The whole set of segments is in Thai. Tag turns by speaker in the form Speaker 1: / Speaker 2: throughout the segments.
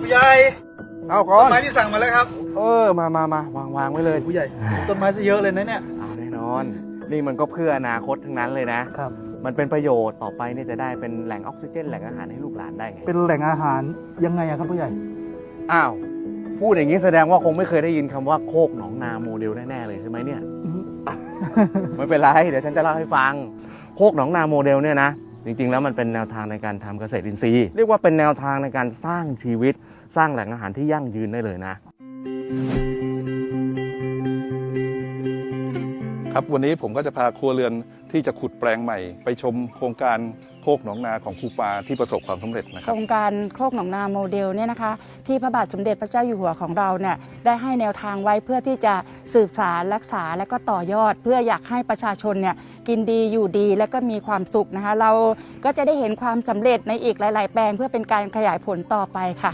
Speaker 1: ผู้ใหญ่
Speaker 2: เอาก่อ
Speaker 1: ต้น
Speaker 2: น
Speaker 1: ไม้ที่สั่งมาแล้วครับ
Speaker 2: มาวางไว้เลย
Speaker 1: ผู้ใหญ่ต้นไม้ซะเยอะเลยนะเนี่ย
Speaker 2: เอาแน่นอน นี่มันก็เพื่ออนาคตทั้งนั้นเลยนะ
Speaker 1: ครับ
Speaker 2: มันเป็นประโยชน์ต่อไปเนี่ยจะได้เป็นแหล่งออกซิเจนแหล่งอาหารให้ลูกหลานได้ไง
Speaker 1: เป็นแหล่งอาหารยังไงอะครับผู้ใหญ่
Speaker 2: อ้าวพูดอย่างนี้แสดงว่าคงไม่เคยได้ยินคำว่าโคกหนองนาโมเดลแน่ๆเลยใช่ไหมเนี่ย ไม่เป็นไรเดี๋ยวฉันจะเล่าให้ฟังโคกหนองนาโมเดลเนี่ยนะจริงๆแล้วมันเป็นแนวทางในการทำเกษตรอินทรีย์เรียกว่าเป็นแนวทางในการสร้างชีวิตสร้างแหล่งอาหารที่ยั่งยืนได้เลยนะ
Speaker 3: ครับวันนี้ผมก็จะพาครัวเรือนที่จะขุดแปลงใหม่ ไปชมโครงการโคกหนองนาของครูปาที่ประสบความสำเร็จนะค
Speaker 4: โค
Speaker 3: รั
Speaker 4: ร
Speaker 3: บ
Speaker 4: งการโคกหนองนาโมเดลเนี่ยนะคะที่พระบาทสมเด็จพระเจ้าอยู่หัวของเราเนี่ยได้ให้แนวทางไว้เพื่อที่จะสืบสานรักษาและก็ต่อยอด เพื่ออยากให้ประชาชนเนี่ยกินดีอยู่ดีและก็มีความสุขนะคะเราก็จะได้เห็นความสำเร็จในอีกหลาย ๆ แปลงเพื่อเป็นการขยายผลต่อไปค่ะ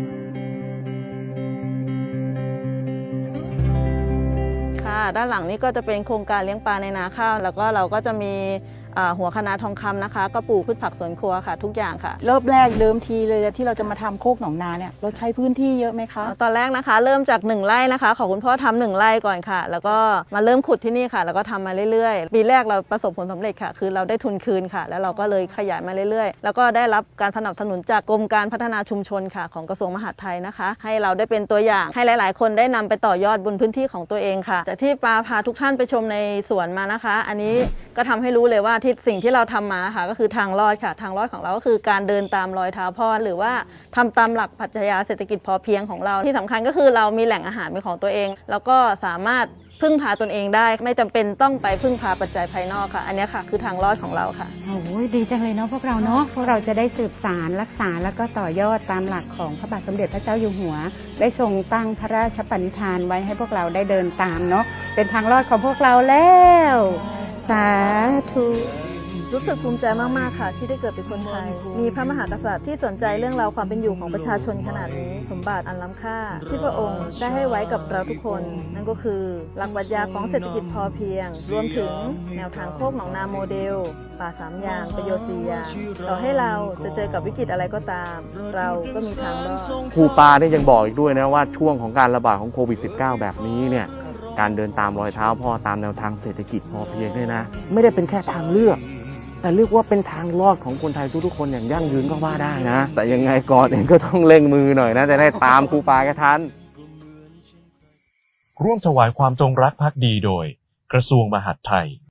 Speaker 5: ค่ะด้านหลังนี้ก็จะเป็นโครงการเลี้ยงปลาในนาข้าวแล้วก็เราก็จะมีหัวคะน้าทองคำนะคะก็ปลูกพืชผักสวนครัวค่ะทุกอย่างค่ะ
Speaker 4: เริ่มแรกเดิมทีเลยที่เราจะมาทำโคกหนองนาเนี่ยเราใช้พื้นที่เยอะไหมคะ
Speaker 5: ตอนแรกนะคะเริ่มจาก1 ไร่นะคะขอคุณพ่อทำ1 ไร่ก่อนค่ะ แล้วก็มาเริ่มขุดที่นี่ค่ะ แล้วก็ทำมาเรื่อยๆปีแรกเราประสบผลสำเร็จค่ะ คือเราได้ทุนคืนค่ะ แล้วเราก็เลยขยายมาเรื่อยๆ แล้วก็ได้รับการสนับสนุนจากกรมการพัฒนาชุมชนค่ะของกระทรวงมหาดไทยนะคะ ให้เราได้เป็นตัวอย่างให้หลายๆ คนได้นำไปต่อยอดบนพื้นที่ของตัวเองค่ะจากที่ปาพาทุกท่านไปชมในสวนมานะคะ อันนี้ก็ทำให้รู้เลยว่าที่สิ่งที่เราทำมาค่ะก็คือทางรอดค่ะทางรอดของเราก็คือการเดินตามรอยเท้าพ่อหรือว่าทำตามหลักปรัชญาเศรษฐกิจพอเพียงของเราที่สำคัญก็คือเรามีแหล่งอาหารเป็นของตัวเองแล้วก็สามารถพึ่งพาตนเองได้ไม่จำเป็นต้องไปพึ่งพาปัจจัยภายนอกค่ะอันนี้ค่ะคือทางรอดของเราค่ะ
Speaker 6: โอ้ยดีจังเลยเนาะพวกเราเนาะพวกเราจะได้สืบสารรักษาแล้วก็ต่อยอดตามหลักของพระบาทสมเด็จพระเจ้าอยู่หัว ได้ทรงตั้งพระราชปณิธานไว้ให้พวกเราได้เดินตามเนาะเป็นทางรอดของพวกเราแล้วสาธุ
Speaker 5: รู้สึกภูมิใจมากๆค่ะที่ได้เกิดเป็นคนไทย มีพระมหากษัตริย์ที่สนใจเรื่องราวความเป็นอยู่ของประชาชนขนาดนี้ สมบัติอันล้ำค่า ที่พระองค์ได้ให้ไว้กับเราทุกคน นั่นก็คือหลักปรัชญาของเศรษฐกิจพอเพียง รวมถึงแนวทางโคกหนองนาโมเดล ป่า3 อย่างประโยชน์4 อย่างต่อให้เราจะเจอกับวิกฤตอะไรก็ตาม เราก็มีทางรอด
Speaker 2: ครูปาได้ยังบอกอีกด้วยนะว่าช่วงของการระบาดของโควิด -19 แบบนี้เนี่ยการเดินตามรอยเท้าพ่อตามแนวทางเศรษฐกิจพอเพียงเนี่ยนะไม่ได้เป็นแค่ทางเลือกแต่เรียกว่าเป็นทางรอดของคนไทยทุกๆคนอย่างยั่งยืนก็ว่าได้นะแต่ยังไงก่อนเองก็ต้องเร่งมือหน่อยนะจะได้ตามครูปาแกทัน
Speaker 7: ร่วมถวายความจงรักภักดีโดย กระทรวงมหาดไทย